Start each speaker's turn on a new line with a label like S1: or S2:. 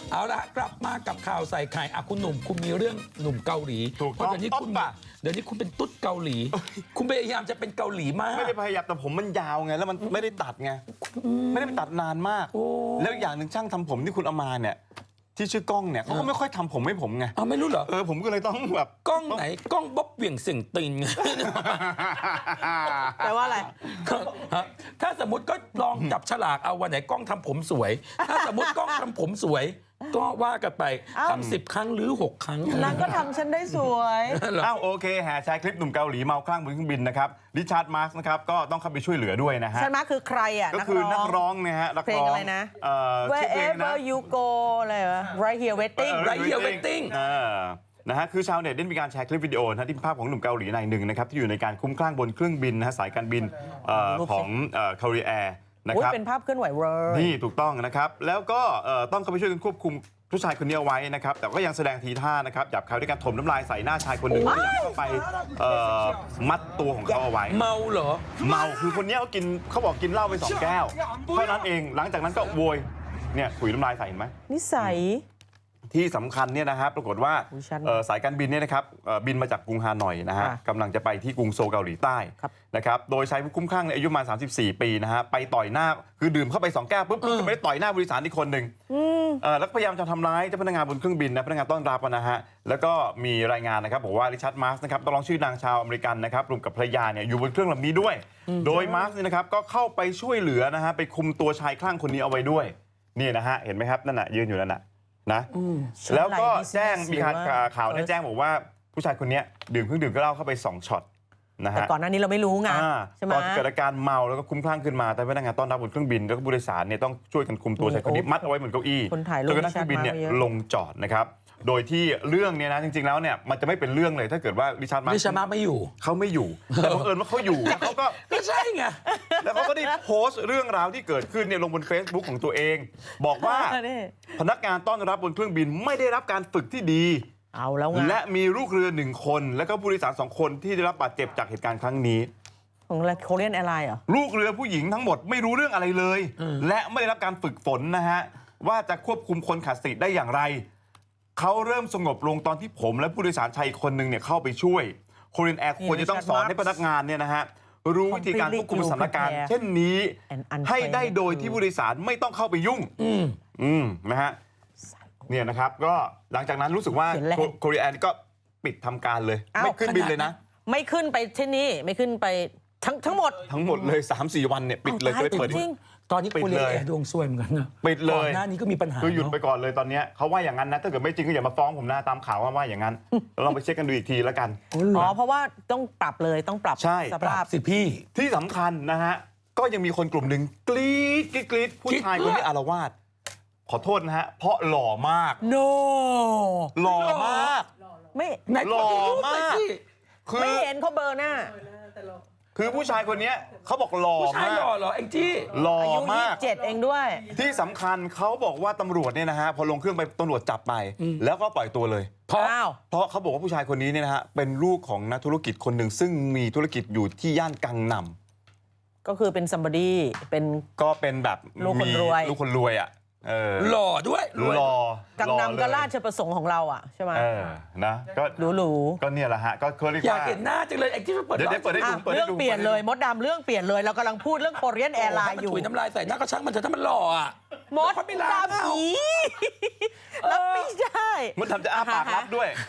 S1: เอาละกลับมากับข่าวใส่ไข่คุณหนุ่มคุณมีเรื่องหนุ่มเกาหลี
S2: ถูกต้อง
S1: เดี๋ยวนี้คุณเป็นตุ๊ดเกาหลี คุณพยายามจะเป็นเกาหลีมาก
S2: ไม่ได้พยายามแต่ผมมันยาวไงแล้วมันไม่ได้ตัดไงไม่ได้ไปตัดนานมาก แล้วอย่างหนึ่งช่างทำผมที่คุณเอามาเนี่ยที่ชื่อกล้องเนี่ยเขาก็ไม่ค่อยทำผมให้ผมไง
S1: ไม่รู้เหรอ
S2: ผมก็เลยต้องแบบ
S1: กล้องไหนกล้องบ๊อบเหวี่ยงเสียงตีนไง
S3: แปลว่าอะไร
S1: ฮะถ้าสมมติก็ลองจับฉลากเอาวันไหนกล้องทำผมสวย ถ้าสมมติกล้องทำผมสวย ก็ว่ากันไป
S3: อ้าว
S1: ทำ10 ครั้งหรือ 6 ครั้ง
S3: นางก็ทำฉันได้สวย
S2: อ้าวโอเคแห่แชร์คลิปหนุ่มเกาหลีเมาคลั่งบนเครื่องบินนะครับริชาร์ดมาร์กนะครับก็ต้องเข้าไปช่วยเหลือด้วยนะฮะ
S3: ฉันมาคือใครอ่ะ
S2: ก็คือนักร้องนะฮะนัก
S3: เพลง
S2: ร้อง
S3: อะไรนะ
S2: ชื่อเพลงนะ
S3: Wherever you go อะไรวะ Right here waiting
S1: Right Here Waiting
S2: นะฮะคือชาวเน็ตได้มีการแชร์คลิปวิดีโอนะที่เป็นภาพของหนุ่มเกาหลีนายหนึ่งนะครับที่อยู่ในการคุ้มคลั่งบนเครื่องบินนะฮะสายการบินของคาริแอร์นะ
S3: อุ๊ย
S2: ครับ
S3: เป็นภาพเคลื่อนไหวเลย
S2: นี่ถูกต้องนะครับแล้วก็ต้องเข้าไปช่วยกันควบคุมผู้ชายคนนี้เอาไว้นะครับแต่ก็ยังแสดงทีท่านะครับหยาบคายด้วยการถมน้ำลายใส่หน้าชายคนหนึ่งที่เข้าไปมัดตัวของเขาเอาไว้
S1: เมาเหรอ
S2: เมาคือคนนี้เขาบอกกินเหล้าไป2 แก้วเท่านั้นเองหลังจากนั้นก็โวยเนี่ยถุยน้ำลายใส่เห็นไหม
S3: นิสัย
S2: ที่สำคัญเนี่ยนะครับปรากฏว่า
S3: อุ๊ยฉัน
S2: สายการบินเนี่ยนะครับบินมาจากกรุงฮานอยนะฮะ
S3: ค่ะ
S2: กำลังจะไปที่กรุงโซลเกาหลีใต้
S3: ครับ
S2: นะครับโดยชายผู้คุ้มคลั่งในยอายุประมาณ34 ปีนะฮะไปต่อยหน้าคือดื่มเข้าไป2 แก้วปุ๊บก็ไม่ได้ต่อยหน้าผู้โดยสารอีกคนหนึ่งแล้วก็พยายามจะทำร้ายเจ้าพนักงานบนเครื่องบินนะพนักงานต้อนรับนะฮะแล้วก็มีรายงานนะครับบอกว่าริชาร์ดมาร์กนะครับต้องร้องชื่อนางชาวอเมริกันนะครับรวมกับภรรยาเนี่ยอยู่บนเครื่องลำนี้ด้วย โดยมาร์กเนี่ยนะครับก็เข้าไปช่วยเหลือนะฮะไปคุมตัวชายคลั่งคนนี้เอาไว้ด้วยนี่นะฮะเห็นไหมครับนั่นน่ะยืนอยู่นั่นน่ะนะแล้วก็แจ้งมีข่าวเนี่ยแจ้งบอกว่าผู้ชายคนนี้ดื่มเครื่องดื่มก็เหล้าเข้าไป2 ช็อตนะ
S3: แต่
S2: ฮะ
S3: ก่อนหน้านี้เราไม่รู้ไงใช่ไหม
S2: ตอนเกิดอาการเมาแล้วก็คลุ้มคลั่งขึ้นมาแต่พนักงานต้อนรับบนเครื่องบินแล้วก็ผู้โดยสารเนี่ยต้องช่วยกันคุมตัวชายคนนี้มัดเอาไว้เหมือนเก้าอี้
S3: คนถ่ายรูป
S2: จนกระทั่งเครื่องบินเนี่ย
S3: ริชาร์ดมาร์คเยอะ
S2: ลงจอดนะครับโดยที่เรื่องเนี่ยนะจริงๆแล้วเนี่ยมันจะไม่เป็นเรื่องเลยถ้าเกิดว่าริชาร์ดมาร์
S1: ริชาร์ดมาร์คไม่อยู่
S2: เขาไม่อยู่แต่บังเอิญว่าเขาอยู่แล้วเขาก็
S1: ก็ใช่ไง
S2: แล้วเขาก็ได้โพสต์เรื่องราวที่เกิดขึ้นเนี่ยลงบน Facebook ของตัวเอง บอกว่า
S3: นี่
S2: พนักงานต้อนรับบนเครื่องบินไม่ได้รับการฝึกที่ดี
S3: เอาแล้วไง
S2: และมีลูกเรือ1 คนและก็ผู้โดยสาร2 คนที่ได้รับบาดเจ็บจากเหตุการณ์ครั้งนี้
S3: ของโคเรียนแอร์ไลน์เหรอ
S2: ลูกเรือผู้หญิงทั้งหมดไม่รู้เรื่องอะไรเลย และไม่ได้รับการฝึกฝนนะฮะว่าจะควบคุมคนขาดสติได้อย่างไรเขาเริ่มสงบลงตอนที่ผมและผู้โดยสารชายอีกคนหนึ่งเนี่ยเข้าไปช่วยโคเรียนแอร์ควรจะต้องสอนให้พนักงานเนี่ยนะฮะรู้วิธีการควบคุมสถานการณ์เช่นนี้ ให้ได้โดยที่ผู้โดยสารไม่ต้องเข้าไปยุ่งนะฮะเนี่ยนะครับก็หลังจากนั้นรู้สึกว่าโคเรียนแอร์ก็ปิดทำการเลยไม่ขึ้นบินเลยนะ
S3: ไม่ขึ้นไปที่นี่ไม่ขึ้นไปทั้งหมด
S2: ทั้งหมดเลย 3-4 วันเนี่ยปิดเลยก็ไม่เปิด
S3: จริง
S1: ตอนนี้
S2: ปิด
S1: โคเรีย
S2: เล
S1: น
S2: ย
S1: แอร์ดวงซวยเหมือนกันนะ
S2: ปิดเลย
S1: ก่อนหน้านี้ก็มีปัญหา
S2: คือหยุดไป
S1: เนอะ
S2: ก่อนเลยตอนเนี้ยเขาว่าอย่างนั้นนะถ้าเกิดไม่จริงก็อย่ามาฟ้องผมนะตามข่าวว่าอย่างนั้นเราลองไปเช็คกันดูอีกทีแล้วกัน
S3: อ๋อเพราะว่าต้องปรับเลยต้องปรับ
S2: ใช่
S3: ส
S1: ปรั
S3: ภาพ
S1: บสิพี่
S2: ที่สำคัญนะฮะก็ยังมีคนกลุ่มหนึ่งกรี๊ดกรี๊ดผู้ชายคนนี้อารวาสขอโทษนะฮะเพราะหล่อมาก
S3: no
S2: หล่อมาก
S3: ไม่
S1: ไหน
S2: หล่อมาก
S1: สิ
S2: คือ
S3: ไม่เห็นเขาเบอร์หน้า
S2: คือผู้ชายคนเนี้ยเขาบอกหล่อ
S1: ผู้ชาย
S2: มาก
S1: หล่อเหรอแองจี้
S2: หล่อ
S3: อายุ
S2: มาก
S3: 27เองด้วย
S2: ที่สำคัญเขาบอกว่าตำรวจเนี่ยนะฮะพอลงเครื่องไปตำรวจจับไป แล้วก็ปล่อยตัวเลย
S1: เพราะ
S3: อ้าว
S2: เพราะเขาบอกว่าผู้ชายคนนี้เนี่ยนะฮะเป็นลูกของนักธุรกิจคนหนึ่งซึ่งมีธุรกิจอยู่ที่ย่านกังนำ
S3: ก็คือเป็น somebody เป็น
S2: ก็เป็นแบบ
S3: ลูกคนรวย
S2: ลูกคนรวยอ่ะ
S1: หล่อด้วยรวย
S2: หล่อ
S3: กังนำก็ราชประสงค์ของเราอ่ะใช่ไหม
S2: นะก็
S3: หรู
S2: ก็เนี่ยแหละฮะก็เคยเรียก
S1: อยาก
S2: ว่า
S1: เห็นหน้าจังเลยแองจี้มาเปิด
S2: เดี๋ยวเปิดให้
S3: ๆอ่ะ
S2: ดู
S3: เรื่องเปลี่ยนเลยมดดำเรื่องเปลี่ยนเลยเรากำลังพูดเรื่องโคเรียนแอร์ไลน์อยู่
S1: ถุยน้ำลายใส่หน้าก็ช่างมันเถอะถ้ามันหล่ออ่ะ
S3: มด
S1: เขาไม่ล้าง
S3: ดำอีแล้วไม่ได้
S2: มันทำจะอ้าปากรับด้วย